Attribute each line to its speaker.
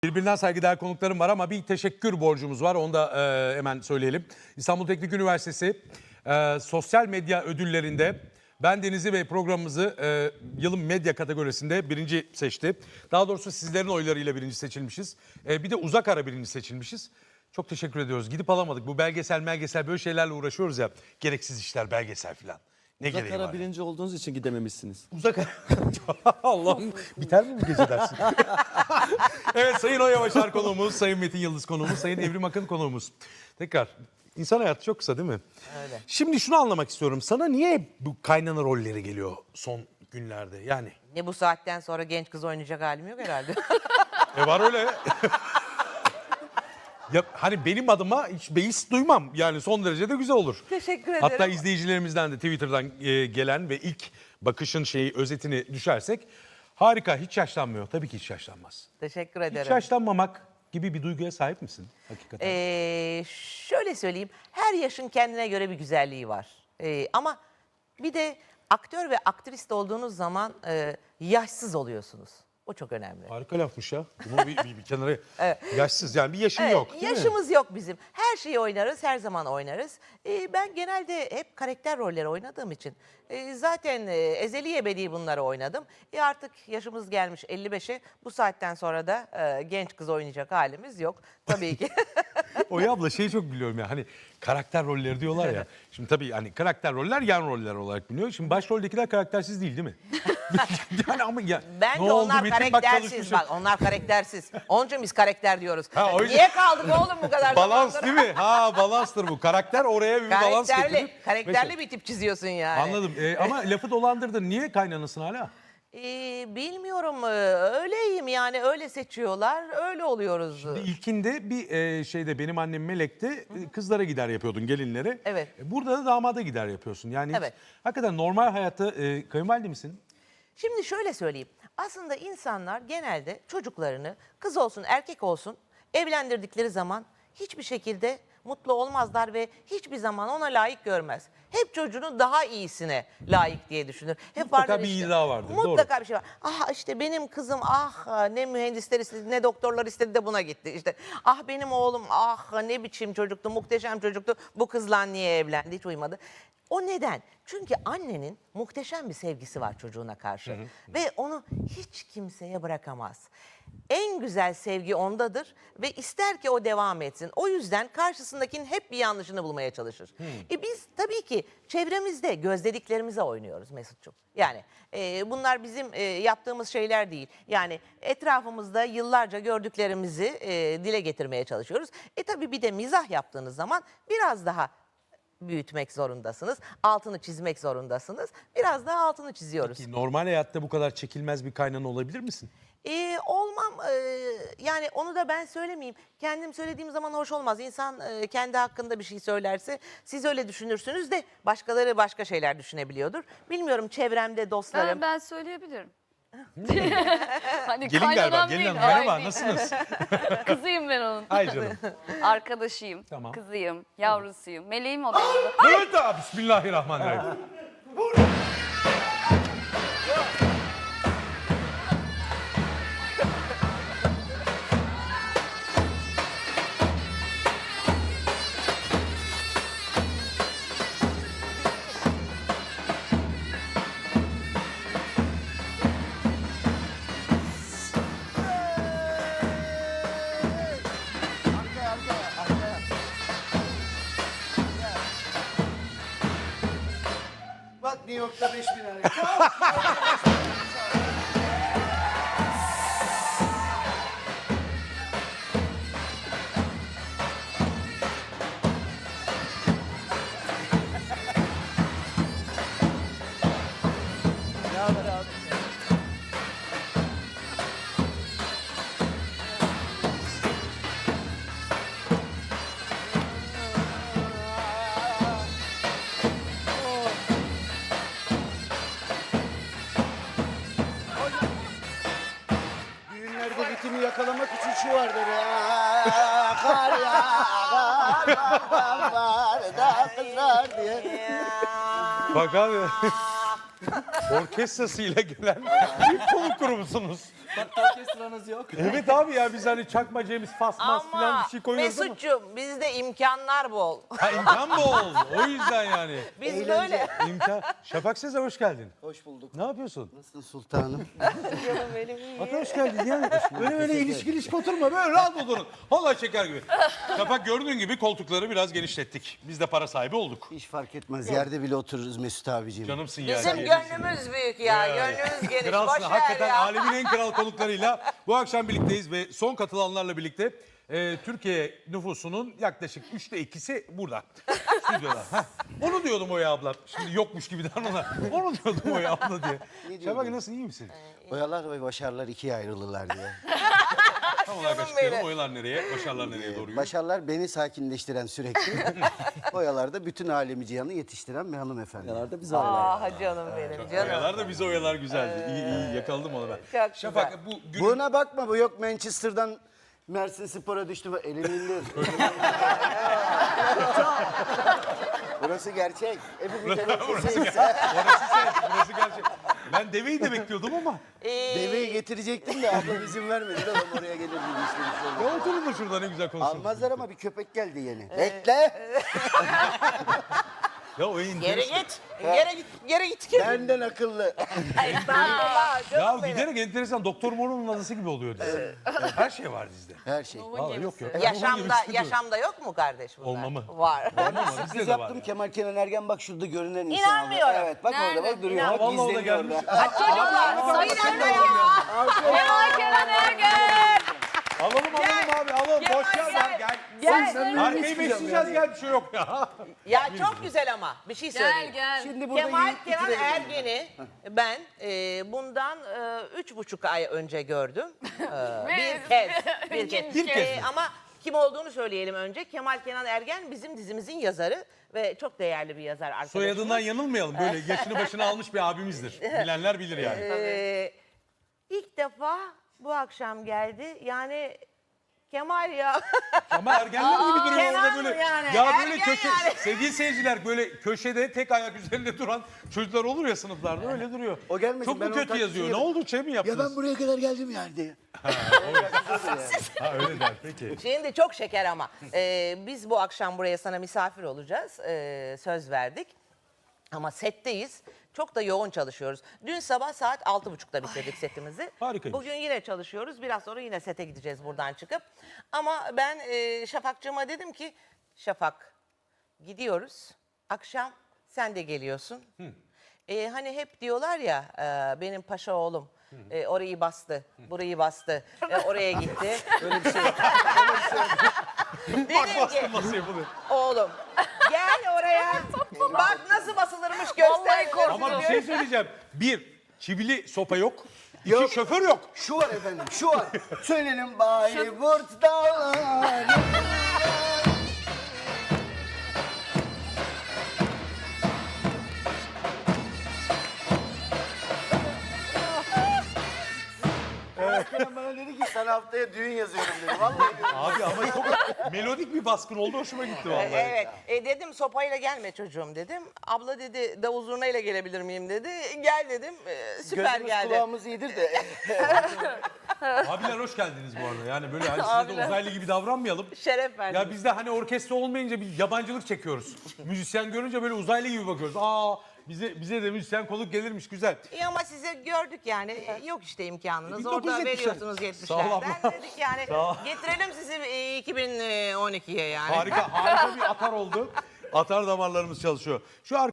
Speaker 1: Birbirinden saygıdeğer konuklarım var ama bir teşekkür borcumuz var. Onu da hemen söyleyelim. İstanbul Teknik Üniversitesi sosyal medya ödüllerinde bendenizi ve programımızı yılın medya kategorisinde birinci seçti. Daha doğrusu sizlerin oylarıyla birinci seçilmişiz. Bir de uzak ara birinci seçilmişiz. Çok teşekkür ediyoruz. Gidip alamadık. Bu belgesel böyle şeylerle uğraşıyoruz ya. Gereksiz işler, belgesel falan. Ne
Speaker 2: Uzak
Speaker 1: gereği
Speaker 2: ara
Speaker 1: var?
Speaker 2: birinci olduğunuz için gidememişsiniz.
Speaker 1: Uzak Allah'ım biter mi bu gece dersin? Evet, Sayın Oyavaşar konuğumuz, Sayın Metin Yıldız konuğumuz, Sayın Evrim Akın konuğumuz. Tekrar insan hayatı çok kısa değil mi?
Speaker 3: Öyle.
Speaker 1: Şimdi şunu anlamak istiyorum. Sana niye bu kaynana rolleri geliyor son günlerde? Yani
Speaker 3: Ne bu saatten sonra genç kız oynayacak halim yok herhalde.
Speaker 1: var öyle. Ya hani benim adıma hiç beis duymam. Yani son derece de güzel olur.
Speaker 3: Teşekkür ederim.
Speaker 1: Hatta izleyicilerimizden de Twitter'dan gelen ve ilk bakışın özetini düşersek harika, hiç yaşlanmıyor. Tabii ki hiç yaşlanmaz.
Speaker 3: Teşekkür
Speaker 1: Hiç
Speaker 3: ederim.
Speaker 1: yaşlanmamak gibi bir duyguya sahip misin hakikaten?
Speaker 3: Şöyle söyleyeyim. Her yaşın kendine göre bir güzelliği var. Ama bir de aktör ve aktrist olduğunuz zaman yaşsız oluyorsunuz. O çok önemli.
Speaker 1: Harika lafmış ya. Bunu bir kenara yaşsız yani bir yaşın
Speaker 3: Evet,
Speaker 1: yok değil mi?
Speaker 3: yaşımız yok bizim. Her şeyi oynarız, her zaman oynarız. Ben genelde hep karakter rolleri oynadığım için zaten ezeli ebedi bunları oynadım. Artık yaşımız gelmiş 55'e. Bu saatten sonra da genç kız oynayacak halimiz yok. Tabii ki.
Speaker 1: Oya abla çok biliyorum ya hani karakter rolleri diyorlar ya. Şimdi tabii hani karakter roller yan roller olarak biliniyor. Şimdi başroldekiler karaktersiz değil mi? Yani ama ya
Speaker 3: Bence
Speaker 1: ne oldu
Speaker 3: onlar
Speaker 1: Metin? Bak
Speaker 3: karaktersiz.
Speaker 1: çalışmışım.
Speaker 3: Bak onlar karaktersiz. Onun için biz karakter diyoruz.
Speaker 1: Ha, o yüzden-
Speaker 3: Niye kaldık oğlum bu kadar
Speaker 1: Balans
Speaker 3: zamandır?
Speaker 1: değil mi? Ha, balanstır bu. Karakter oraya bir balans getirir.
Speaker 3: Karakterli bir tip çiziyorsun yani.
Speaker 1: Anladım. Ama lafı dolandırdın. Niye kaynanasın hala?
Speaker 3: Bilmiyorum, öyleyim yani, öyle seçiyorlar, öyle oluyoruz.
Speaker 1: İlkinde bir benim annem Melek'te kızlara gider yapıyordun, gelinlere.
Speaker 3: Evet.
Speaker 1: Burada da damada gider yapıyorsun. Yani
Speaker 3: Evet.
Speaker 1: hakikaten normal hayatta kayınvalide misin?
Speaker 3: Şimdi şöyle söyleyeyim. Aslında insanlar genelde çocuklarını kız olsun erkek olsun evlendirdikleri zaman hiçbir şekilde mutlu olmazlar ve hiçbir zaman ona layık görmez. Hep çocuğunun daha iyisine layık diye düşünür. Hep
Speaker 1: Mutlaka
Speaker 3: vardır
Speaker 1: bir
Speaker 3: işte.
Speaker 1: iddia vardır,
Speaker 3: Mutlaka
Speaker 1: doğru.
Speaker 3: bir şey var. Ah işte benim kızım ne mühendisler istedi ne doktorlar istedi de buna gitti. İşte benim oğlum ne biçim çocuktu, muhteşem çocuktu. Bu kızla niye evlendi, hiç uymadı. O neden? Çünkü annenin muhteşem bir sevgisi var çocuğuna karşı. Ve onu hiç kimseye bırakamaz. En güzel sevgi ondadır ve ister ki o devam etsin. O yüzden karşısındakinin hep bir yanlışını bulmaya çalışır. Biz tabii ki çevremizde gözlediklerimize oynuyoruz Mesut'cum. Yani bunlar bizim yaptığımız şeyler değil. Yani etrafımızda yıllarca gördüklerimizi dile getirmeye çalışıyoruz. Tabii bir de mizah yaptığınız zaman biraz daha büyütmek zorundasınız. Altını çizmek zorundasınız. Biraz daha altını çiziyoruz.
Speaker 1: Ki normal hayatta bu kadar çekilmez bir kaynana olabilir misin?
Speaker 3: Olmam, yani onu da ben söylemeyeyim. Kendim söylediğim zaman hoş olmaz. İnsan kendi hakkında bir şey söylerse siz öyle düşünürsünüz de başkaları başka şeyler düşünebiliyordur. Bilmiyorum, çevremde dostlarım.
Speaker 4: Ben söyleyebilirim. Hani
Speaker 1: Gelin galiba,
Speaker 4: kaynanam
Speaker 1: gelin
Speaker 4: değil,
Speaker 1: hanım. Merhaba,
Speaker 4: ay,
Speaker 1: nasılsınız?
Speaker 4: Kızıyım ben onun.
Speaker 1: Ay canım.
Speaker 4: Arkadaşıyım,
Speaker 1: Tamam.
Speaker 4: kızıyım, yavrusuyum. Meleğim o benim.
Speaker 1: Evet abi, bismillahirrahmanirrahim.
Speaker 5: Bak New York'ta 5000 hareket. Ne haber abi? Düğünlerde ritmi yakalamak için şu vardır ya. Kar yağar, var da kızlar diye.
Speaker 1: Bak abi. orkestrasıyla gelen bir konuk grubunuz.
Speaker 2: Orkestranız yok.
Speaker 1: Evet abi ya biz hani çakma James Fasmaz falan
Speaker 3: Ama
Speaker 1: bir şey koyuyoruz ama.
Speaker 3: Mesut'cum bizde imkanlar bol.
Speaker 1: Ha imkan bol. O yüzden yani.
Speaker 3: Biz
Speaker 5: Eğlence.
Speaker 3: böyle.
Speaker 1: İmkan. Şafak Sezer hoş geldin.
Speaker 5: Hoş bulduk.
Speaker 1: Ne yapıyorsun?
Speaker 5: Nasılsın sultanım?
Speaker 3: Canım benim iyi.
Speaker 1: Hatta hoş geldin yani. Böyle ilişki oturma böyle rahat oturun. Vallahi şeker gibi. Şafak gördüğün gibi koltukları biraz genişlettik. Biz de para sahibi olduk.
Speaker 5: Hiç fark etmez. Yerde bile otururuz Mesut abiciğim.
Speaker 1: Canımsın ya.
Speaker 3: Bizim gönlümüz büyük ya. Gönlümüz geniş.
Speaker 1: Kralsın.
Speaker 3: Boş ver
Speaker 1: Hakikaten
Speaker 3: ya.
Speaker 1: alemin en kral konuklarıyla bu akşam birlikteyiz ve son katılanlarla birlikte Türkiye nüfusunun yaklaşık 2/3'ü burada. Stüdyoda. Heh. Onu diyordum Oya abla. Şimdi yokmuş gibi davranma. Onu diyordum Oya abla diye. Şafak nasılsın, iyi misin?
Speaker 5: Oyalar ve başarılar ikiye ayrılırlar diye.
Speaker 1: Tam olarak
Speaker 3: Canım
Speaker 1: açıklayalım.
Speaker 3: benim.
Speaker 1: Oyalar nereye, başarılar nereye doğru yürüyor?
Speaker 5: Başarılar beni sakinleştiren sürekli. Oyalar da bütün alemi cihanı yetiştiren bir hanımefendi.
Speaker 2: Kenarda biz
Speaker 3: Ah canım benim canım.
Speaker 1: Oyalar da bize oyalar güzeldi. İyi yakaladım onu ben.
Speaker 3: Çok
Speaker 1: Şafak
Speaker 3: güzel.
Speaker 1: bu gün...
Speaker 5: Buna bakma, bu yok Manchester'dan Mersin Spor'a düştü. Elini indir. Burası gerçek. Hepimiz
Speaker 1: Burası
Speaker 5: emekçisiyiz.
Speaker 1: Burası gerçek. Ben deveyi de bekliyordum ama.
Speaker 5: Deveyi getirecektim de ablam izin vermedi. Adam oraya gelir gibi işte.
Speaker 1: Ya oturun da şurada ne güzel konuşalım.
Speaker 5: Almazlar ama bir köpek geldi yeni. Bekle.
Speaker 1: Ya o
Speaker 3: Geri
Speaker 1: enteresan.
Speaker 3: git. Geri git.
Speaker 5: Benden akıllı.
Speaker 3: Estağfurullah
Speaker 1: Ya
Speaker 3: canım benim.
Speaker 1: giderek enteresan Doktor Moro'nun adası gibi oluyor dizi. Her şey var dizide.
Speaker 5: Her şey.
Speaker 1: Vallahi yok yok.
Speaker 3: Yaşamda yok mu kardeş bunlar?
Speaker 1: Olmamı.
Speaker 3: Var.
Speaker 1: Ama bizde
Speaker 5: Biz
Speaker 1: de var.
Speaker 5: yaptım
Speaker 1: Ya.
Speaker 5: Kemal Kenan Ergen, bak şurada görünen insan.
Speaker 3: İnanmıyorum.
Speaker 5: Evet bak orada bak duruyor. Bak
Speaker 1: Vallahi o da
Speaker 5: izleniyor
Speaker 1: gelmiş.
Speaker 5: orada.
Speaker 3: Çocuklar bir dakika ya.
Speaker 4: Kemal Kenan Ergen.
Speaker 1: Alalım abi alalım. Boş ver lan gel.
Speaker 3: Gel.
Speaker 1: Arkayı besleyeceğiz gel bir şey yok ya.
Speaker 3: Ya çok güzel ama bir şey söyleyeyim.
Speaker 4: Gel.
Speaker 5: Şimdi burada
Speaker 3: Kemal
Speaker 5: yiyip
Speaker 3: Kenan
Speaker 5: bitirelim.
Speaker 3: Ergen'i ben bundan 3,5 ay önce gördüm. Bir kez.
Speaker 1: Bir kez mi?
Speaker 3: Ama kim olduğunu söyleyelim önce. Kemal Kenan Ergen bizim dizimizin yazarı ve çok değerli bir yazar arkadaşımız.
Speaker 1: Soyadından yanılmayalım. Böyle yaşını başına almış bir abimizdir. Bilenler bilir yani.
Speaker 3: İlk defa bu akşam geldi. Yani Kemal ya.
Speaker 1: Ama ergenler gibi duruyor
Speaker 3: Kenan
Speaker 1: orada böyle.
Speaker 3: yani,
Speaker 1: Ya böyle
Speaker 3: ergen
Speaker 1: köşe,
Speaker 3: yani.
Speaker 1: sevgili seyirciler böyle köşede tek ayak üzerinde duran çocuklar olur ya sınıflarda öyle duruyor.
Speaker 5: O gelmesin,
Speaker 1: Çok
Speaker 5: ben
Speaker 1: mu
Speaker 5: onun
Speaker 1: kötü
Speaker 5: taklidini
Speaker 1: yazıyor? Ne
Speaker 5: yaparım.
Speaker 1: oldu? Şey mi
Speaker 5: Ya
Speaker 1: yaptınız?
Speaker 5: ben buraya kadar geldim yani diye.
Speaker 1: Ha öyle der peki.
Speaker 3: Şimdi çok şeker ama. Biz bu akşam buraya sana misafir olacağız. Söz verdik. Ama setteyiz. Çok da yoğun çalışıyoruz. Dün sabah saat 6.30'da bitirdik setimizi.
Speaker 1: Harikaymış.
Speaker 3: Bugün yine çalışıyoruz. Biraz sonra yine sete gideceğiz buradan çıkıp. Ama ben Şafak'cığıma dedim ki Şafak gidiyoruz. Akşam sen de geliyorsun. Hani hep diyorlar ya benim paşa oğlum orayı bastı, burayı bastı, oraya gitti.
Speaker 5: Öyle bir şey yok.
Speaker 1: Bak
Speaker 3: Dedim ki
Speaker 1: bastım nasıl yapılıyor.
Speaker 3: oğlum gel oraya. Bak nasıl basılırmış göster.
Speaker 1: Ama bir şey söyleyeceğim. Bir, çivili sopa yok. İki,
Speaker 5: Yok.
Speaker 1: şoför yok.
Speaker 5: Şu var efendim, şu var. Söylenin Bayburt dağları. Kenan bana dedi ki sana haftaya düğün yazıyorum dedi. Vallahi diyorum.
Speaker 1: Abi ama çok melodik bir baskın oldu. Hoşuma gitti vallahi.
Speaker 3: Evet. Dedim sopayla gelme çocuğum dedim. Abla dedi davul zurnayla gelebilir miyim dedi. Gel dedim. Süper
Speaker 5: Gözümüz
Speaker 3: geldi.
Speaker 5: kulağımız iyidir de.
Speaker 1: Abiler hoş geldiniz bu arada. Yani böyle hani size de uzaylı gibi davranmayalım.
Speaker 3: Şeref verdim.
Speaker 1: Ya bizde hani orkestra olmayınca bir yabancılık çekiyoruz. Müzisyen görünce böyle uzaylı gibi bakıyoruz. Aa bize de müzisyen konuk gelirmiş güzel.
Speaker 3: İyi ama size gördük yani. Yok işte imkanınız. Orada
Speaker 1: 1970'ler.
Speaker 3: veriyorsunuz
Speaker 1: Sağ ol
Speaker 3: 70'lerden.
Speaker 1: abla.
Speaker 3: Dedik yani
Speaker 1: Sağ ol.
Speaker 3: getirelim sizi 2012'ye yani.
Speaker 1: Harika bir atar oldu. Atar damarlarımız çalışıyor. Şu